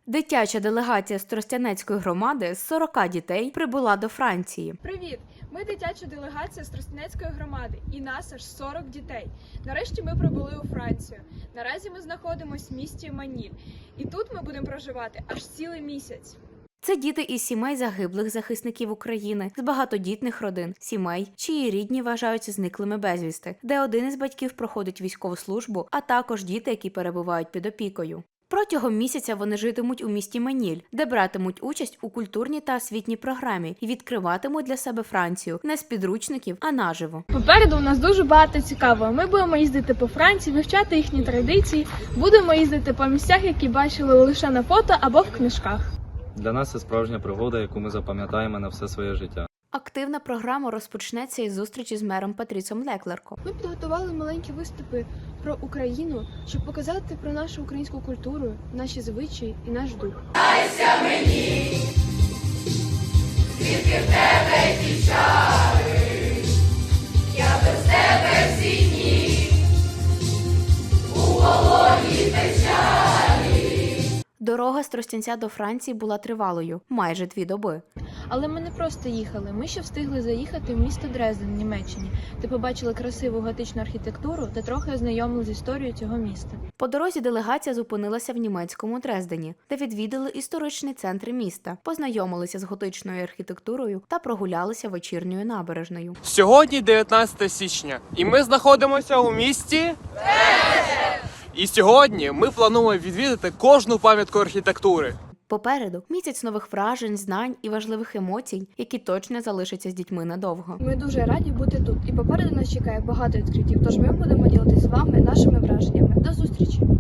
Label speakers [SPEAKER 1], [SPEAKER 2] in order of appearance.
[SPEAKER 1] Дитяча делегація з Тростянецької громади з 40 дітей прибула до Франції.
[SPEAKER 2] Привіт! Ми дитяча делегація з Тростянецької громади і нас аж 40 дітей. Нарешті ми прибули у Францію. Наразі ми знаходимося в місті Маніль. І тут ми будемо проживати аж цілий місяць.
[SPEAKER 1] Це діти із сімей загиблих захисників України, з багатодітних родин, сімей, чиї рідні вважаються зниклими безвісти, де один із батьків проходить військову службу, а також діти, які перебувають під опікою. Протягом місяця вони житимуть у місті Маніль, де братимуть участь у культурній та освітній програмі і відкриватимуть для себе Францію не з підручників, а наживо.
[SPEAKER 2] Попереду у нас дуже багато цікавого. Ми будемо їздити по Франції, вивчати їхні традиції, будемо їздити по місцях, які бачили лише на фото або в книжках.
[SPEAKER 3] Для нас це справжня пригода, яку ми запам'ятаємо на все своє життя.
[SPEAKER 1] Активна програма розпочнеться із зустрічі з мером Патрісом Леклерком.
[SPEAKER 4] Ми підготували маленькі виступи про Україну, щоб показати про нашу українську культуру, наші звичаї і наш дух.
[SPEAKER 1] Дорога з Тростянця до Франції була тривалою – майже 2 доби.
[SPEAKER 4] Але ми не просто їхали, ми ще встигли заїхати в місто Дрезден в Німеччині, де побачили красиву готичну архітектуру та трохи ознайомилися з історією цього міста.
[SPEAKER 1] По дорозі делегація зупинилася в німецькому Дрездені, де відвідали історичний центр міста, познайомилися з готичною архітектурою та прогулялися вечірньою набережною.
[SPEAKER 5] Сьогодні 19 січня, і ми знаходимося у місті І сьогодні ми плануємо відвідати кожну пам'ятку архітектури.
[SPEAKER 1] Попереду місяць нових вражень, знань і важливих емоцій, які точно залишаться з дітьми надовго.
[SPEAKER 4] Ми дуже раді бути тут, і попереду нас чекає багато відкриттів, тож ми будемо ділитися з вами нашими враженнями. До зустрічі!